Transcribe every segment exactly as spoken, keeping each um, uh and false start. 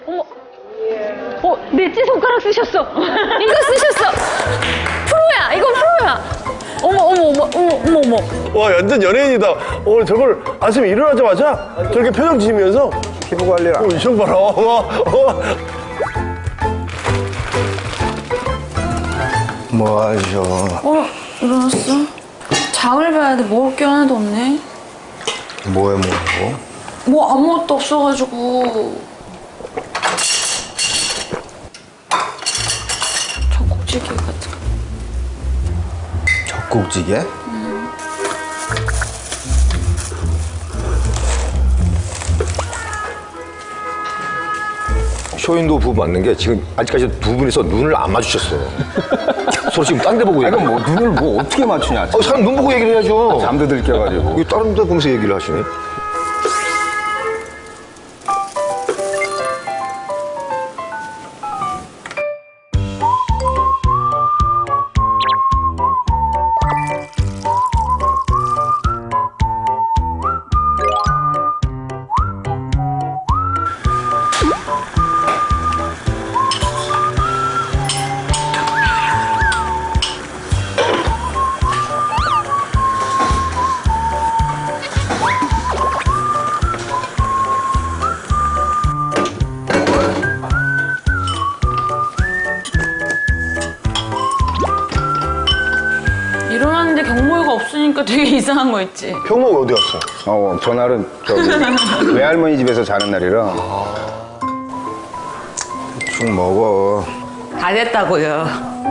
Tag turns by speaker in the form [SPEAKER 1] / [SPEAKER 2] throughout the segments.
[SPEAKER 1] 어머. 어, 넷째 손가락 쓰셨어. 이거 쓰셨어. 프로야. 이거 프로야. 어머, 어머, 어머, 어머, 어머, 어머.
[SPEAKER 2] 와, 완전 연예인이다. 어, 저걸 아침에 일어나자마자 저렇게 표정 지으면서
[SPEAKER 3] 피부 관리라.
[SPEAKER 2] 어, 이형 봐라. 어, 어.
[SPEAKER 3] 뭐 하셔?
[SPEAKER 4] 어, 일어났어? 장을 봐야 돼. 먹을 게 하나도 없네.
[SPEAKER 3] 뭐해 뭐?
[SPEAKER 4] 뭐 아무것도 없어가지고. 젖꼭지게 같은 거.
[SPEAKER 3] 젖꼭지게?
[SPEAKER 4] 음.
[SPEAKER 5] 쇼인도 부부 맞는 게 지금 아직까지 두 분이서 눈을 안 마주쳤어요. 서로 지금 딴 데 보고
[SPEAKER 3] 아니,
[SPEAKER 5] 얘기해.
[SPEAKER 3] 뭐 눈을 뭐 어떻게 맞추냐?
[SPEAKER 5] 어, 사람 눈 보고 얘기를 해야죠.
[SPEAKER 3] 잠도 들켜가지고.
[SPEAKER 5] 이거 다른 데 보면서 얘기를 하시네.
[SPEAKER 4] 일어났는데 경모유가 없으니까 되게 이상한 거 있지.
[SPEAKER 2] 형목 어디 갔어?
[SPEAKER 3] 어, 전날은 저기 외할머니 집에서 자는 날이라. 대충 먹어.
[SPEAKER 6] 다 됐다고요.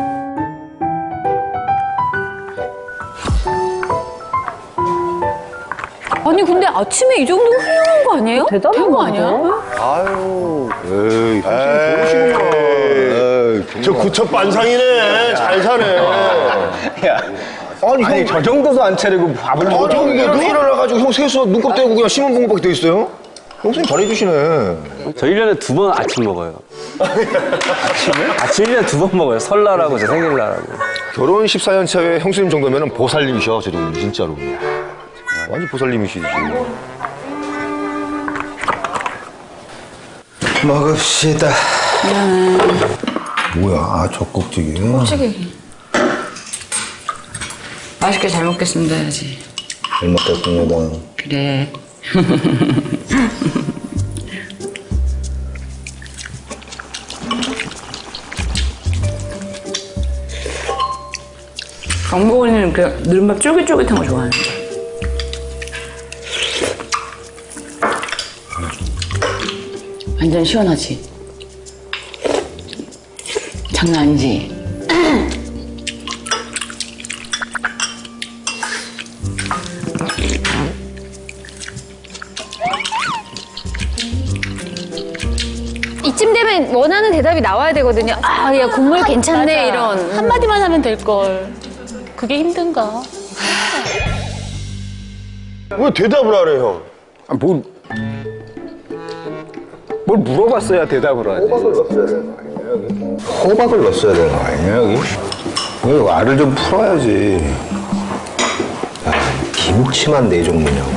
[SPEAKER 1] 아니, 근데 아침에 이 정도 훌륭한 거 아니에요? 대단한 거 아니야?
[SPEAKER 2] 아유.
[SPEAKER 3] 에이,
[SPEAKER 2] 에이.
[SPEAKER 3] 좋으시구만.
[SPEAKER 2] 저 구첩 반상이네. 잘 사네.
[SPEAKER 3] 야, 아니, 아니 저 정도도 안 차리고 밥을
[SPEAKER 5] 아,
[SPEAKER 3] 먹어.
[SPEAKER 5] 저기 눈 일어나가지고 형 세수 눈곱 떼고 그냥 신문 본 것밖에 돼 있어요? 형수님 잘해주시네.
[SPEAKER 7] 저 일 년에 두 번 아침 먹어요. 아침에? 아침 일 년에 두 번 먹어요. 설날하고 제 생일날하고.
[SPEAKER 5] 결혼 십사 년 차에 형수님 정도면 보살님이셔, 저 정도 진짜로. 완전 보살님이시지.
[SPEAKER 3] 먹읍시다.
[SPEAKER 4] 미안해.
[SPEAKER 3] 뭐야, 아, 젖꼭지게.
[SPEAKER 4] 찌개기. 맛있게 잘 먹겠습니다 해야지.
[SPEAKER 3] 잘 먹겠습니다.
[SPEAKER 4] 그래. 강보은이는 그 누른밥 쫄깃쫄깃한 거 좋아하는데. 완전 시원하지? 장난 아니지?
[SPEAKER 1] 이쯤 되면 원하는 대답이 나와야 되거든요. 아, 야, 국물 괜찮네, 이런.
[SPEAKER 8] 한마디만 하면 될걸. 그게 힘든가?
[SPEAKER 2] 왜 대답을 안 해, 형?
[SPEAKER 3] 아, 뭐, 뭘 물어봤어야 대답을 하지. 호박을 넣었어야 되는 거 아니야, 여기? 여기 알을 좀 풀어야지. 야, 김치만 네 종류냐고.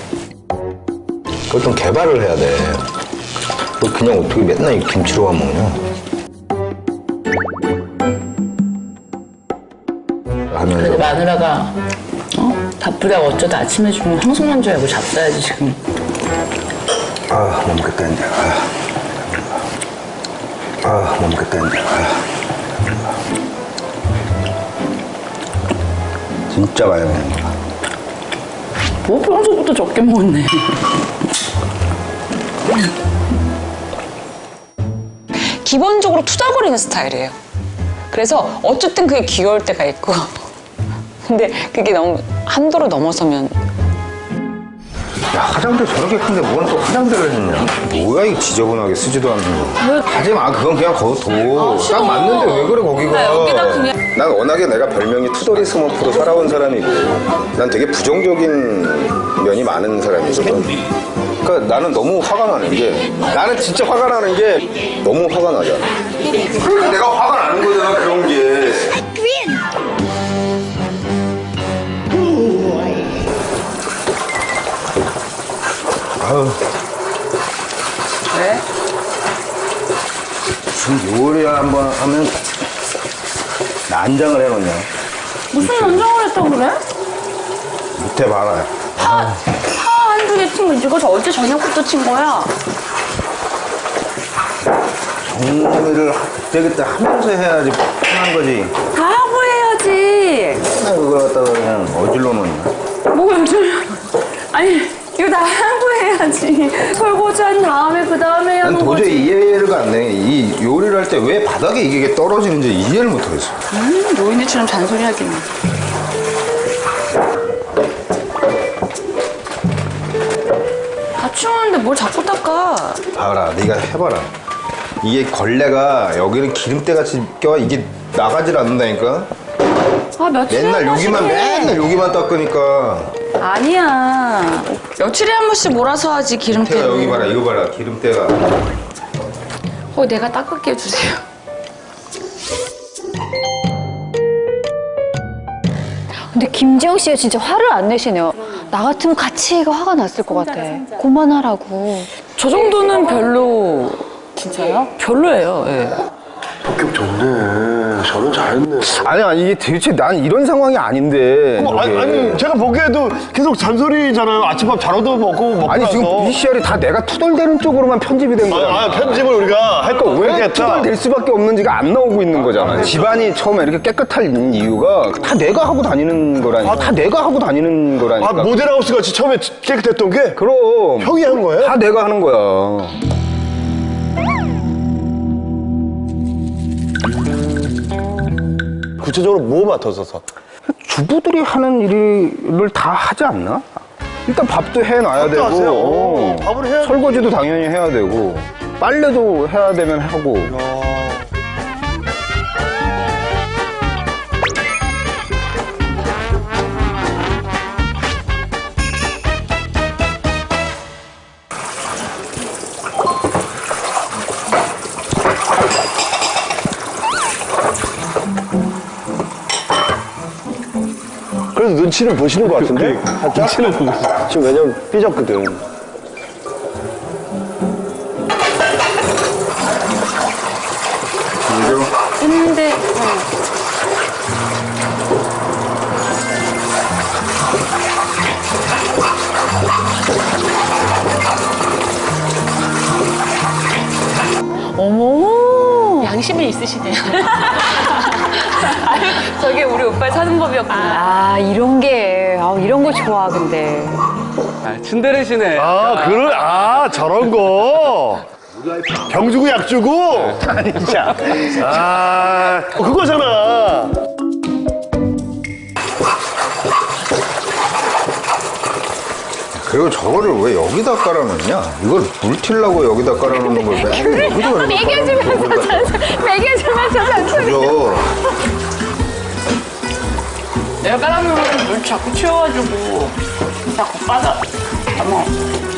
[SPEAKER 3] 그걸 좀 개발을 해야 돼. 너 그냥 어떻게 맨날 이 김치로만 먹냐? 하면서.
[SPEAKER 6] 마누라가 어? 바쁘다고 어쩌다 아침에 주면 황송한 줄 알고 잡숴야지 지금.
[SPEAKER 3] 아, 못 먹겠다, 이제. 아, 아 못 먹겠다, 이제. 아. 진짜 많이 먹는 거야.
[SPEAKER 6] 뭐 평소부터 적게 먹었네.
[SPEAKER 9] 기본적으로 투덜거리는 스타일이에요. 그래서 어쨌든 그게 귀여울 때가 있고 근데 그게 너무 한도를 넘어서면
[SPEAKER 3] 야, 화장대 저렇게 큰데 뭔 또 화장대를 했냐? 뭐야, 이 지저분하게 쓰지도 않는 거. 하지 마, 그건 그냥 거둬.
[SPEAKER 4] 아,
[SPEAKER 3] 딱 맞는데 왜 그래, 거기가.
[SPEAKER 4] 나 여기다 그냥.
[SPEAKER 3] 난 워낙에 내가 별명이 투덜이 스머프로 살아온 사람이고, 난 되게 부정적인 면이 많은 사람이거든. 그러니까 나는 너무 화가 나는 게, 나는 진짜 화가 나는 게 너무 화가 나잖아. 그러니까 내가 화가 나는 거잖아, 그런 게. 아유.
[SPEAKER 6] 왜?
[SPEAKER 3] 무슨 요리 한번 하면 난장을 해놓냐.
[SPEAKER 4] 무슨 난장을 했다고 그래?
[SPEAKER 3] 밑에 봐라.
[SPEAKER 4] 파, 파 한두 개 친 거 이거 저 어제 저녁부터 친 거야.
[SPEAKER 3] 정리를 그때그때 하면서 해야지 편한 거지.
[SPEAKER 4] 다 하고 해야지.
[SPEAKER 3] 맨날 그걸 갖다가 그냥 어질러 놓냐.
[SPEAKER 4] 뭐 요즘 아니 이거 다 하고 해야지. 설거지한 다음에 그 다음에 해야
[SPEAKER 3] 난
[SPEAKER 4] 하는
[SPEAKER 3] 도저히
[SPEAKER 4] 거지.
[SPEAKER 3] 이해가 안 돼. 이 요리를 할 때 왜 바닥에 이게 떨어지는지 이해를 못 하겠어.
[SPEAKER 4] 음, 노인네처럼 잔소리하기는. 다 치우는데 뭘 자꾸 닦아.
[SPEAKER 3] 봐라, 네가 해봐라. 이게 걸레가 여기는 기름때 같이 껴 이게 나가질 않는다니까.
[SPEAKER 4] 아 며칠에
[SPEAKER 3] 맨날
[SPEAKER 4] 한 번씩
[SPEAKER 3] 여기만
[SPEAKER 4] 해.
[SPEAKER 3] 맨날 여기만 닦으니까.
[SPEAKER 4] 아니야. 며칠에 한 번씩 몰아서 하지
[SPEAKER 3] 기가
[SPEAKER 4] 기름때는.
[SPEAKER 3] 여기 봐라, 이거 봐라, 기름때가.
[SPEAKER 4] 어, 내가 닦을게 해주세요.
[SPEAKER 1] 근데 김지영 씨가 진짜 화를 안 내시네요. 나 같으면 같이 이거 화가 났을 것 같아. 그만하라고.
[SPEAKER 9] 저 정도는 별로
[SPEAKER 6] 진짜요?
[SPEAKER 9] 별로예요. 예.
[SPEAKER 2] 성격 좋네. 저는 잘했네.
[SPEAKER 5] 아니 아니 이게 대체 난 이런 상황이 아닌데.
[SPEAKER 2] 어, 아니,
[SPEAKER 5] 저게.
[SPEAKER 2] 아니 제가 보기에도 계속 잔소리잖아요. 아침밥 잘 얻어 먹고 먹고
[SPEAKER 5] 아니
[SPEAKER 2] 나서.
[SPEAKER 5] 지금 비씨알이 다 내가 투덜대는 쪽으로만 편집이 된 거야.
[SPEAKER 2] 아, 아, 편집을 우리가 할 거
[SPEAKER 5] 왜
[SPEAKER 2] 왜
[SPEAKER 5] 투덜댈 수밖에 없는지가 안 나오고 있는 거잖아. 집안이 처음에 이렇게 깨끗한 이유가 다 내가 하고 다니는 거라니까. 다 내가 하고 다니는 거라니까.
[SPEAKER 2] 아, 모델하우스 같이 처음에 깨끗했던 게
[SPEAKER 5] 그럼
[SPEAKER 2] 형이 한 거예요?
[SPEAKER 5] 다 내가 하는 거야.
[SPEAKER 2] 구체적으로 뭐 맡았었어?
[SPEAKER 5] 주부들이 하는 일을 다 하지 않나? 일단 밥도 해놔야
[SPEAKER 2] 밥도
[SPEAKER 5] 되고,
[SPEAKER 2] 하세요?
[SPEAKER 5] 어,
[SPEAKER 2] 밥을 해야
[SPEAKER 5] 설거지도 당연히 해야 되고, 빨래도 해야 되면 하고.
[SPEAKER 2] 그래서 눈치를 보시는 것 같은데? 살짝? 눈치를 보고 있어. 지금 왜냐면 삐졌거든.
[SPEAKER 4] 했는데
[SPEAKER 1] 어머.
[SPEAKER 8] 양심이 있으시네요.
[SPEAKER 4] 저게 우리 오빠의 사는 법이었구나.
[SPEAKER 1] 아, 이런 게, 아, 이런 거 좋아, 근데.
[SPEAKER 7] 아, 츤데레시네.
[SPEAKER 2] 아, 그런, 아, 저런 거. 병 주고 약 주고? 아니, 진짜. 아, 그거잖아.
[SPEAKER 3] 그리고 저거를 왜 여기다 깔아놓냐? 이걸 물 튀려고 여기다 깔아놓는 걸 맨날 여기다
[SPEAKER 1] 매겨주면서 잔소리, 매겨주면서 잔소리.
[SPEAKER 3] 그죠?
[SPEAKER 6] 내가 깔아놓으면 물 자꾸 치워가지고 자꾸 빠져. 어머.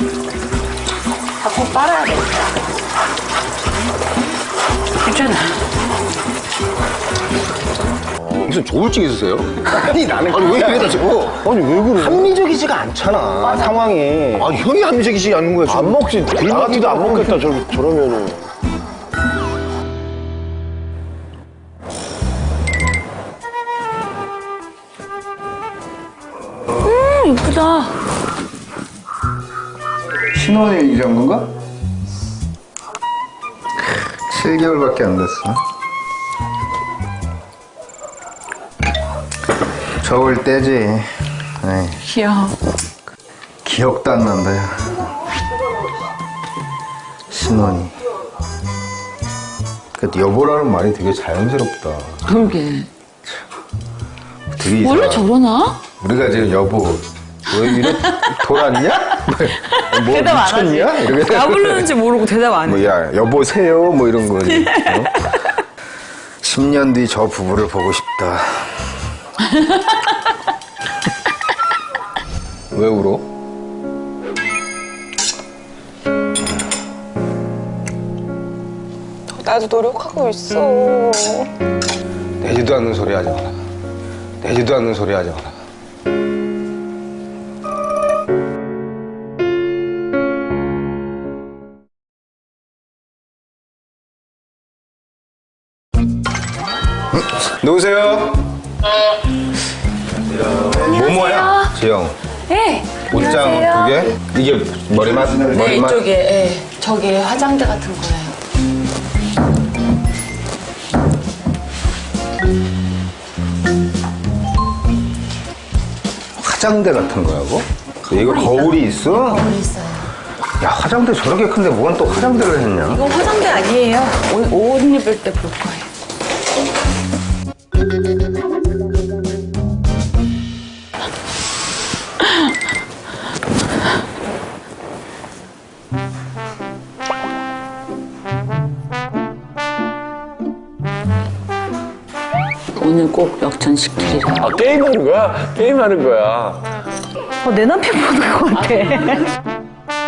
[SPEAKER 6] 자꾸 빨아야 돼. 괜찮아.
[SPEAKER 5] 무슨 조울증 있으세요? 아니 나는 아니 왜 이래다 저거?
[SPEAKER 2] 아니, 왜 그래?
[SPEAKER 5] 합리적이지가 않잖아 상황이.
[SPEAKER 2] 아, 형이 합리적이지 않는 거야. 안 먹지. 나 같아도 안 먹겠다, 저, 저러면은.
[SPEAKER 4] 음, 이쁘다.
[SPEAKER 3] 신혼이 이 정도인가? 칠 개월밖에 안 됐어. 저울 때지. 에이,
[SPEAKER 4] 귀여워.
[SPEAKER 3] 기억도 안 난다. 야. 신혼이. 그 여보라는 말이 되게 자연스럽다.
[SPEAKER 4] 그러게.
[SPEAKER 3] 되게
[SPEAKER 4] 원래
[SPEAKER 3] 이상하다.
[SPEAKER 4] 저러나?
[SPEAKER 3] 우리가 지금 여보 왜 이래 돌았냐? 뭐 미쳤냐? 이렇게
[SPEAKER 9] 나 부르는지 모르고 대답 안 해.
[SPEAKER 3] 뭐야 여보세요 뭐 이런 거지. 어? 십 년 뒤 저 부부를 보고 싶다. 왜 울어?
[SPEAKER 9] 나도 노력하고 있어.
[SPEAKER 3] 내지도 않는 소리 하지 마라. 내지도 않는 소리 하지 마라. 누구세요? 뭐뭐야? 지영.
[SPEAKER 4] 네.
[SPEAKER 3] 옷장 두 개? 이게 머리맡?
[SPEAKER 4] 네,
[SPEAKER 3] 머리맡?
[SPEAKER 4] 이쪽에, 예. 저기 화장대 같은 거예요.
[SPEAKER 3] 화장대 같은 거라고? 이거 거울이 있어?
[SPEAKER 4] 거울이 있어요.
[SPEAKER 3] 야, 화장대 저렇게 큰데 뭔 또 화장대를 했냐?
[SPEAKER 4] 이거 화장대 아니에요. 옷, 옷 입을 때 볼 거예요. 오늘 꼭 역전시키리라.
[SPEAKER 7] 아, 게임하는 거야? 게임하는 거야.
[SPEAKER 1] 어, 내 남편 보는 것 같아.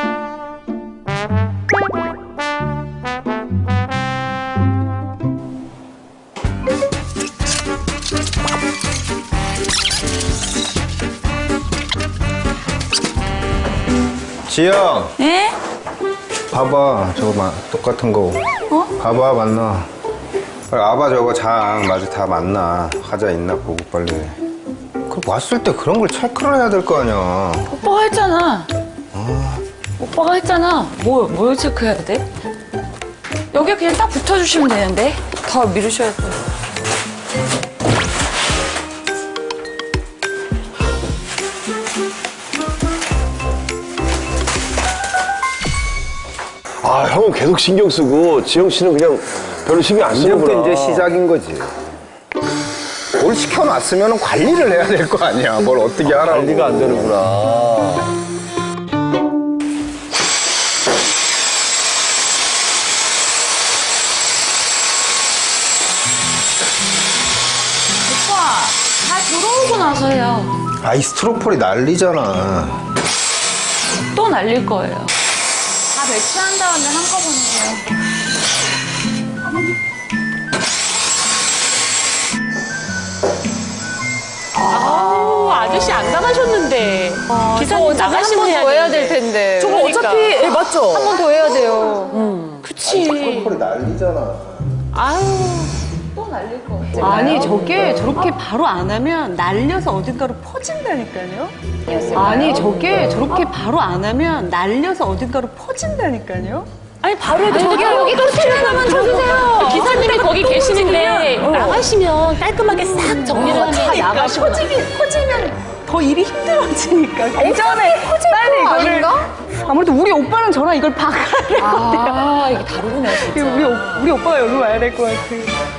[SPEAKER 3] 지영,
[SPEAKER 4] 네?
[SPEAKER 3] 봐봐. 저거 마, 똑같은 거. 어? 봐봐, 맞나? 빨리 와봐, 저거 장. 맞아, 다 맞나? 화자 있나 보고 빨리. 그럼 왔을 때 그런 걸 체크를 해야 될 거 아니야.
[SPEAKER 4] 오빠가 했잖아. 오빠가 했잖아. 뭐, 뭘 체크해야 돼? 여기 그냥 딱 붙여주시면 되는데. 더 미루셔야 돼.
[SPEAKER 2] 아, 형은 계속 신경 쓰고 지영 씨는 그냥 별로 신경 안
[SPEAKER 3] 이제부터
[SPEAKER 2] 쓰는구나.
[SPEAKER 3] 이제 시작인 거지. 뭘 시켜놨으면 관리를 해야 될 거 아니야. 뭘 어떻게 하라고.
[SPEAKER 2] 관리가 안 되는구나.
[SPEAKER 4] 오빠, 다 들어오고 나서요.
[SPEAKER 3] 아이, 스트로폴이 난리잖아.
[SPEAKER 4] 또 날릴 거예요. 다 배치한 다음에 한꺼번에.
[SPEAKER 8] 아우, 아저씨 안 나가셨는데. 기사님 나가시면
[SPEAKER 1] 더 해야 될 텐데.
[SPEAKER 8] 저거 어차피,
[SPEAKER 1] 예, 맞죠? 한 번 더 해야 돼요.
[SPEAKER 8] 그치.
[SPEAKER 3] 스트로폴이 난리잖아.
[SPEAKER 8] 아유.
[SPEAKER 1] 아니, 저게 저렇게 바로 안 하면 날려서 어딘가로 퍼진다니까요? 아니, 저게 저렇게 바로 안 하면 날려서 어딘가로 퍼진다니까요?
[SPEAKER 8] 아니, 바로 해도 저기요, 여기 터트려면 쳐주세요. 기사님이 거기 계시는데 나가시면 깔끔하게 싹 정리를 하면.
[SPEAKER 1] 다 나가시고 퍼지면, 퍼지면 더 일이 힘들어지니까. 그 전에 빨리 이거를. 아무래도 우리 오빠랑 저랑 이걸 박아야 될 것 같아요.
[SPEAKER 4] 아, 이게 다르구나, 진짜.
[SPEAKER 1] 우리, 오- 우리 오빠가 여기 와야 될 것 같아.